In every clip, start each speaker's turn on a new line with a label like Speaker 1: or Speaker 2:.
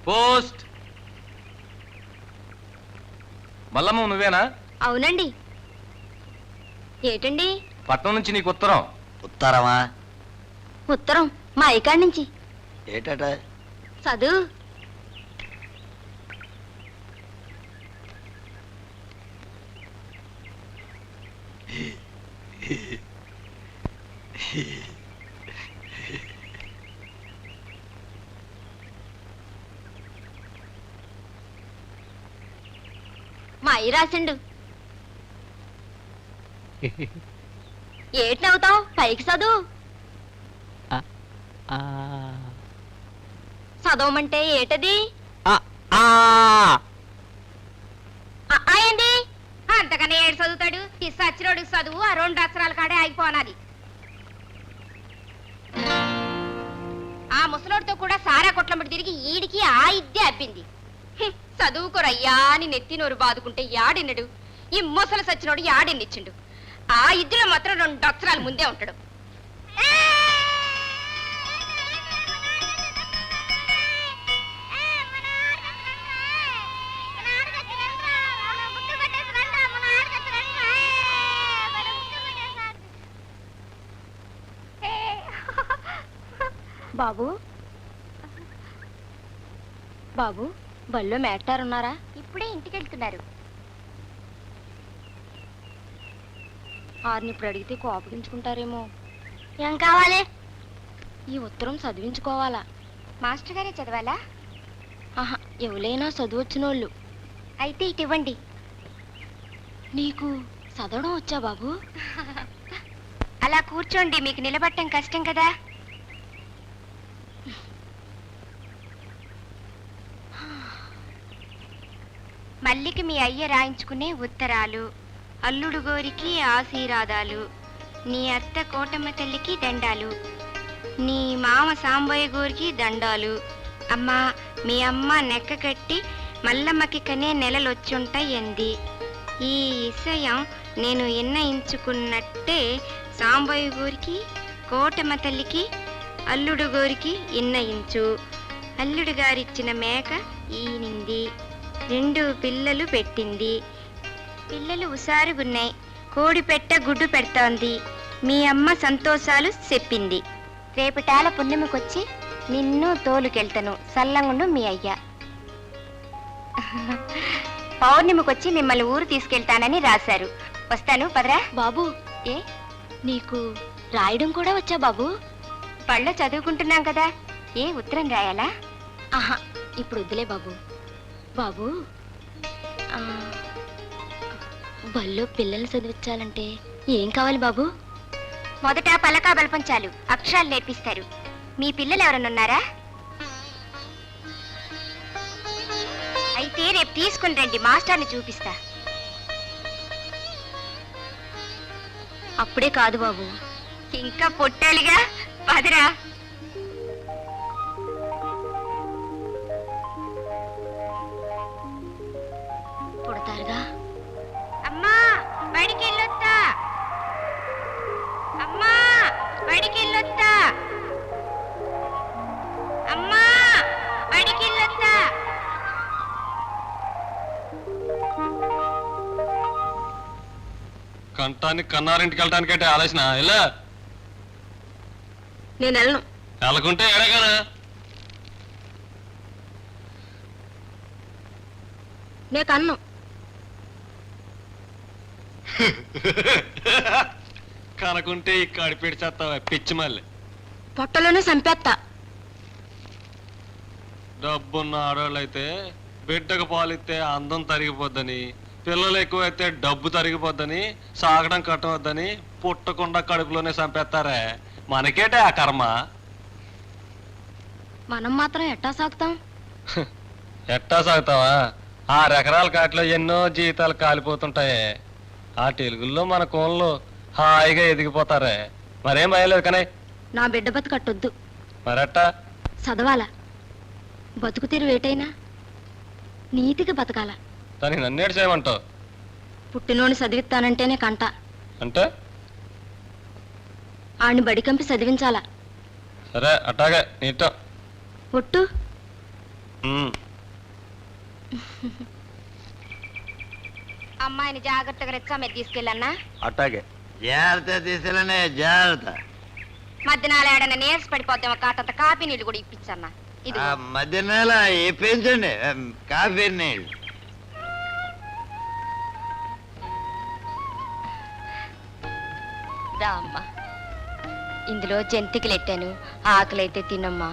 Speaker 1: Post. Mallamma నువ్వేనా?
Speaker 2: అవునండి. ఏటండి?
Speaker 1: పట్నం నుంచి నీకు ఉత్తరం.
Speaker 3: ఉత్తరమా?
Speaker 2: ఉత్తరం మా అయ్యకాడి నుంచి.
Speaker 3: ఏటట?
Speaker 2: చదువు. మా అయ్య రాసిండు. ఏటి నవ్వుతావు? పైకి చదువు. చదవమంటే ఏటది? ఏంది? అంతకన్నా ఏడు చదువుతాడు? ఈ సచ్చిరోడు చదువు ఆ 2 అక్షరాల కాడే ఆగిపోనాది. ఆ ముసలోడితో కూడా సారా కొట్లమ్మటి తిరిగి ఈడికి ఆ ఇద్దే అబ్బింది. చదువుకోరయ్యా అని నెత్తి నోరు బాదుకుంటే యాడిన్నడు? ఈ ముసలి సచ్చినోడు యాడిన్నిచ్చిండు? ఆ ఇద్దులో మాత్రం 2 అక్షరాలు ముందే ఉంటాడు. బాబు బాబు బళ్ళో మేటారున్నారా? ఇప్పుడే ఇంటికి వెళ్తున్నారు. ఆరిని ఇప్పుడు అడిగితే కోపగించుకుంటారేమో. ఏం కావాలి? ఈ ఉత్తరం చదివించుకోవాలా? మాస్టర్ గారే చదవాలా? ఆహా, ఎవరైనా చదువొచ్చినోళ్ళు. అయితే ఇటు ఇవ్వండి. నీకు చదవడం వచ్చా బాబు? అలా కూర్చోండి, మీకు నిలబట్టం కష్టం కదా. మల్లికి మీ అయ్య రాయించుకునే ఉత్తరాలు, అల్లుడు గోరికి ఆశీర్వాదాలు, నీ అత్త కోటమ్మ తల్లికి దండాలు, నీ మామ సాంబయ్య గోరికి దండాలు. అమ్మా, మీ అమ్మ నెక్క కట్టి మల్లమ్మకి కనే నెలలొచ్చుంటాయంది. ఈ విషయం నేను ఇన్నయించుకున్నట్టే సాంబయ్య గోరికి కోటమ్మ తల్లికి అల్లుడు గోరికి ఇన్నయించు. అల్లుడు గారిచ్చిన మేక ఈనింది, 2 పిల్లలు పెట్టింది. పిల్లలు హుషారుగున్నాయి. కోడి పెట్ట గుడ్డు పెడతాంది. మీ అమ్మ సంతోషాలు చెప్పింది. రేపటాల పుణ్యమికొచ్చి నిన్ను తోలుకెళ్తాను, సల్లంగుండు మీ అయ్య. పౌర్ణమికొచ్చి మిమ్మల్ని ఊరు తీసుకెళ్తానని రాశారు. వస్తాను, పదరా. బాబు, ఏ నీకు రాయడం కూడా వచ్చా బాబు? పళ్ళో చదువుకుంటున్నాం కదా, ఏ ఉత్తరం రాయాలా? ఆహా, ఇప్పుడు వద్దులే బాబు. బాబు, బల్లో పిల్లల్ని చదివించాలంటే ఏం కావాలి బాబు? మొదట పలకా బలపం చాలు, అక్షరాలు నేర్పిస్తారు. మీ పిల్లలు ఎవరన్నారా? అయితే రేపు తీసుకుని రండి, మాస్టర్ని చూపిస్తా. అప్పుడే కాదు బాబు, ఇంకా పొట్టాలిగా, పదరా. పుడతారుగా. అమ్మా, బడికి వెళ్ళొత్తా. అమ్మా, బడికి వెళ్ళొత్తా. అమ్మా, బడికి వెళ్ళొత్తా.
Speaker 1: కంటానికి కన్నారింటికి వెళ్ళటానికంటే ఆలోచన ఇలా.
Speaker 2: నేను వెళ్ళను.
Speaker 1: వెళ్ళకుంటే ఎడగానా?
Speaker 2: నే కన్ను.
Speaker 1: కనుకుంటే ఈ కడిపెడి చేస్తావా పిచ్చి మళ్ళీ.
Speaker 2: పొట్టలోనే చంపేస్తా.
Speaker 1: డబ్బున్న ఆడవాళ్ళు అయితే బిడ్డకు పాలిస్తే అందం తరిగిపోద్దని, పిల్లలు ఎక్కువైతే డబ్బు తరిగిపోద్దని, సాగడం కట్టవద్దని పుట్టకుండా కడుపులోనే చంపేస్తారే. మనకేటే ఆ కర్మ.
Speaker 2: మనం మాత్రం ఎట్టా సాగుతాం?
Speaker 1: ఎట్టా సాగుతావా? 6 ఎకరాల కాటిలో ఎన్నో జీవితాలు కాలిపోతుంటాయి. ఆ తెలుగుల్లో మన కోళ్ళు హాయిగా ఎదిగిపోతారే. మరేం అయ్యలేదు కానీ.
Speaker 2: నా బిడ్డ బతుకట్టొద్దు.
Speaker 1: మరట్టా
Speaker 2: చదవాలా? బతుకు తీరు వేటైనా నీతికి బతకాల.
Speaker 1: దానికి నన్నేడు చేయమంటావు?
Speaker 2: పుట్టినోని చదివిస్తానంటేనే కంట.
Speaker 1: అంటే
Speaker 2: ఆడిని బడికంపి చదివించాలా.
Speaker 1: సరే, అట్టాగే నీటో
Speaker 2: ఒట్టు. అమ్మాయిని జాగ్రత్తగా రెచ్చా మీద తీసుకెళ్ళన్నా.
Speaker 1: అట్టాగే.
Speaker 3: జాగ్రత్త తీసుకెళ్ళనే జాగ్రత్త.
Speaker 2: మధ్యనాలు ఏడన్నా నీరస పడిపోద్దాం కాటంత కాఫీ నీళ్ళు కూడా ఇప్పించన్నా. ఇది
Speaker 3: మధ్య నెల ఇప్పించండి కాఫీ నీళ్ళు.
Speaker 2: దా అమ్మా, ఇందులో జంతికలు ఎట్టాను, ఆకలైతే తినమ్మా.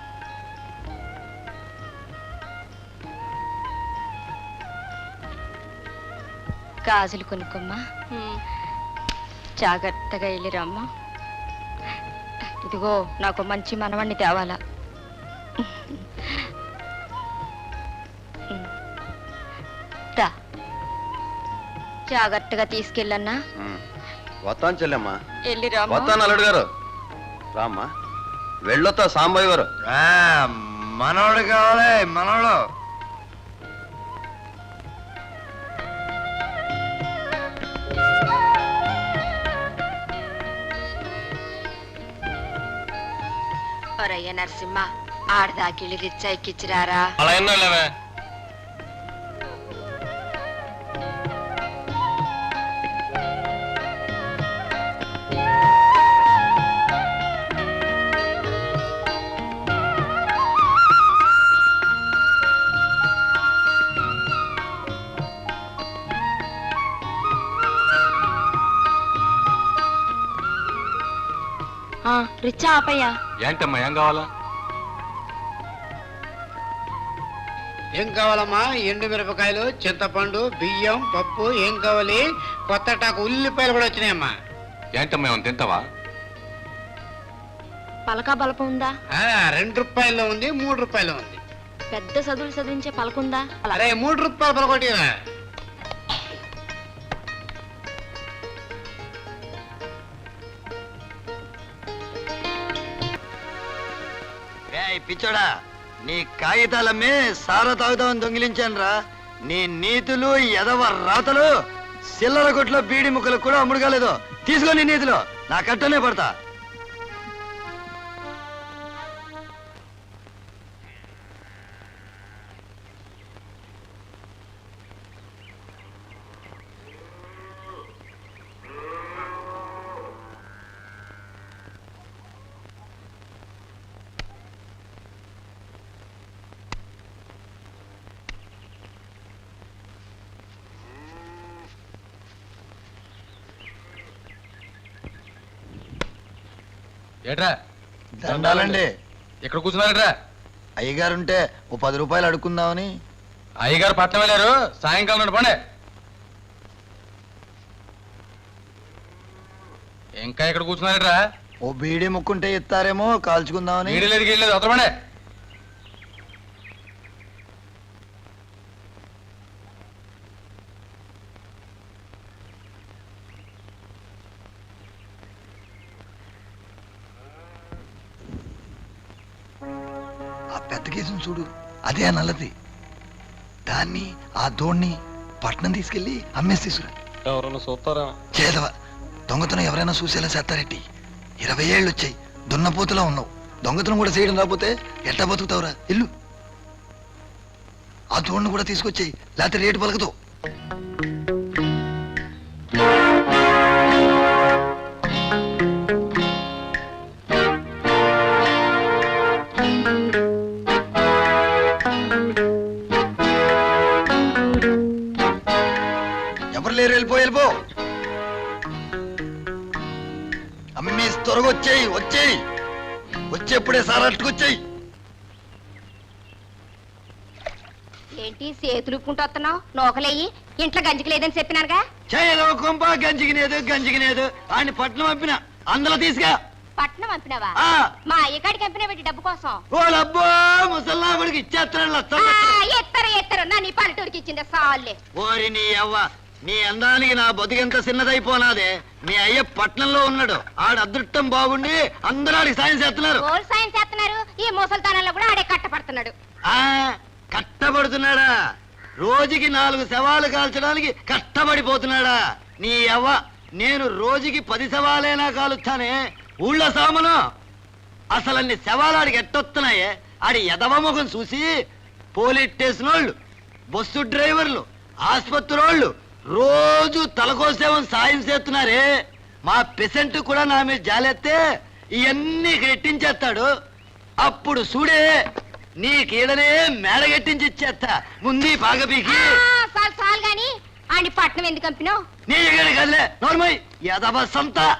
Speaker 2: గాజులు కొనుక్కమ్మా, జాగ్రత్తగా వెళ్ళిరమ్మా. ఇదిగో నాకు మంచి మనవణ్ణి తేవాలా. దా, జాగ్రత్తగా తీసుకెళ్ళన్నా.
Speaker 1: వస్తాను చెల్లెమ్మా.
Speaker 2: వెళ్ళిరామ్మా.
Speaker 1: వస్తాను అల్లుడు గారు. రామ్మా, వెళ్ళొత్తా సాంబయ్య గారు.
Speaker 3: మనోడు కావాలి, మనోడు.
Speaker 2: ఒరయ్య నరసింహ, ఆడదాకిళ్ళి రిచ్చా ఎక్కిచ్చిరారా.
Speaker 1: అలా ఎన్నోళ్ళవే.
Speaker 2: రిచ్చా ఆపయ్యా.
Speaker 1: ఏంటమ్మా, ఏం కావాలా?
Speaker 4: ఏం కావాలమ్మా? ఎండు మిరపకాయలు, చింతపండు, బియ్యం, పప్పు. ఏం కావాలి? కొత్త టాకు ఉల్లిపాయలు కూడా వచ్చినాయమ్మా.
Speaker 1: ఏంటమ్మా, ఏమైనా తింటావా?
Speaker 2: పలకా బలపం ఉందా?
Speaker 4: 2 రూపాయల్లో ఉంది, 3 రూపాయలు ఉంది.
Speaker 2: పెద్ద చదువులు చదివించే పలకుందా?
Speaker 4: అరే 3 రూపాయలు పలకొట్టిరా.
Speaker 3: పిచ్చోడా, నీ కాగితాలమ్మి సారా తాగుతామని దొంగిలించాను రా. నీ నీతులు ఎదవ రాతలు చిల్లర కొట్లో బీడి ముక్కలకు కూడా అమ్ముడు కాలేదు. తీసుకో నీ నీతులు, నా కట్టనే పడతా.
Speaker 1: ఏట్రా
Speaker 3: దండాలండి.
Speaker 1: ఇక్కడ కూర్చున్నారట్రా?
Speaker 3: అయ్యగారుంటే ఓ 10 రూపాయలు అడుక్కుందామని.
Speaker 1: అయ్యగారు పట్నం వెళ్ళారు, సాయంకాలం నాడు పండే. ఇంకా ఇక్కడ కూర్చున్నారట్రా?
Speaker 3: ఓ బీడీ ముక్కుంటే ఇస్తారేమో కాల్చుకుందామని.
Speaker 1: వీడి లేదు గీడలేదు, అవతల పండే.
Speaker 3: ఆ పెద్ద కేసును చూడు, అదే ఆ నల్లది. దాన్ని ఆ దోణ్ణి పట్నం తీసుకెళ్లి అమ్మేసి తీసుకురా.
Speaker 1: ఎవరన్నా చూస్తారా?
Speaker 3: చేదవ దొంగతనం ఎవరైనా చూసేలా చేస్తారెట్టి. 20 ఏళ్ళు వచ్చాయి, దున్నపోతులా ఉన్నావు. దొంగతనం కూడా చేయడం రాకపోతే ఎట్టా బతుకుతావురా? ఇల్లు ఆ దోణ్ణి కూడా తీసుకొచ్చాయి, లేకపోతే రేటు పలకదు. లేరు, వెళ్ళిపో. అమ్మేసి త్వరగా వచ్చేయి. వచ్చేప్పుడే సారట్టుకొచ్చేయి.
Speaker 2: ఏంటి చేతులు ఉప్పుకుంటూ వస్తున్నావు? నోకలేయి, ఇంట్లో గంజికి లేదని చెప్పినారుగా.
Speaker 3: చేయదో కొంప గంజికినేదు ఆయన పట్నం పంపిన అందులో తీసుగా.
Speaker 2: పట్నం పంపినావా? మా అయ్యగాడికి పంపినా పెట్టి డబ్బు కోసం.
Speaker 3: ఓ లబ్బో, ముసల్లాబడికి ఇచ్చేస్తాడు.
Speaker 2: ఎత్తరు నా నీ పల్లెటూరికి ఇచ్చింది సాల్లే.
Speaker 3: ఓరి నీ అవ్వ, నీ అందానికి నా బతుకెంత చిన్నదైపోనాదే. మీ అయ్య పట్నంలో ఉన్నాడు, ఆడ అదృష్టం బాగుండి అందరూ ఆడికి సాయం చేస్తున్నారు.
Speaker 2: సాయం చేస్తున్నారు, ఈ ముసల్తానంలో కూడా ఆడే కట్టపడుతున్నాడు.
Speaker 3: కట్టబడుతున్నాడా? రోజుకి 4 శవాలు కాల్చడానికి కష్టపడిపోతున్నాడా? నీ అవ్వ, నేను రోజుకి 10 శవాలైనా కాలుస్తానే. ఊళ్ళో సామను అసలు అన్ని శవాలు ఆడికి ఎట్టొస్తున్నాయే. ఆడి ఎదవ ముఖం చూసి పోలీస్ స్టేషన్ వాళ్ళు, బస్సు డ్రైవర్లు, ఆసుపత్రి వాళ్ళు రోజు తలకోసేమని సాయం చేస్తున్నారే మా పెసెంట్ కూడా నా మీద జాలెత్తే ఇవన్నీ రెట్టించేస్తాడు. అప్పుడు చూడే నీకీడనే మేడగట్టించి ఇచ్చేస్తా. ముందు బాగా పీకి
Speaker 2: చాలు గాని ఆడి పట్నం ఎందుకు కంపినావు?
Speaker 3: నీ కదలే నోర్మై యదవ సంత.